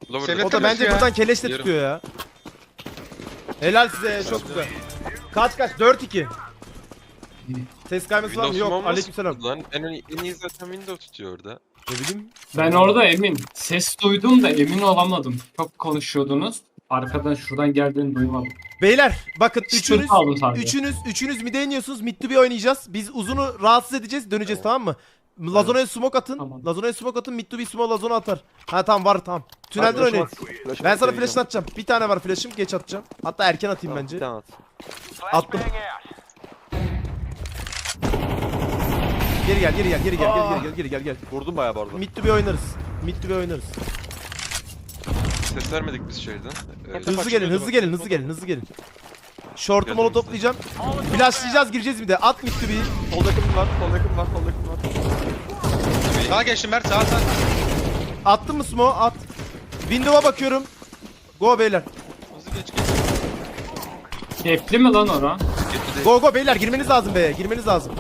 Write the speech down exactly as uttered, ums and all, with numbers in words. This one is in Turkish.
Lower. Şevlet- O da bence ya. buradan keleşle Yarım. tutuyor ya. Helal size, çok güzel. Kaç kaç? dört iki. Ses kayması var mı? Windows Yok. Smoke Aleykümselam. nasıl lan? En, en iyi zaten Windows tutuyor orada. Ne bileyim. Ben orada emin. Ses duydum da emin olamadım. Çok konuşuyordunuz. Arkadan şuradan geldiğini duymadım. Beyler bakın Çıtır üçünüz kaldım sadece. üçünüz üçünüz mid'e iniyorsunuz. Mid to B oynayacağız. Biz uzunu rahatsız edeceğiz. Döneceğiz, tamam mı? Lazona'ya smoke atın. Tamam. Lazona'ya smoke atın. Mid to B smoke Lazona atar. Ha tamam, var tamam. Tünelden oynayın. Ben sana flash atacağım. Bir tane var flash'ım, geç atacağım. Hatta erken atayım bence. Bir tane at. Attım. Geri gel, geri gel, geri gel, geri gel, geri gel, gel. Vurdum bayağı bu arada. Mid to B oynarız. Mid to B oynarız. Ses vermedik biz şeyden. Ee, Hızlı gelin, hızlı gelin, hızlı gelin, hızlı gelin. Short'u molo toplayacağım. Flashlayacağız, gireceğiz bir de. At mid to B'yi. Sol yakın var, sol yakın var, sol yakın var. Sağa geçtim Mert, sağa sağa. Attın mı smoke? At. Window'a bakıyorum. Go beyler. Hızlı geç geç. Kepli mi lan ora? Go go beyler, girmeniz lazım be. Girmeniz lazım.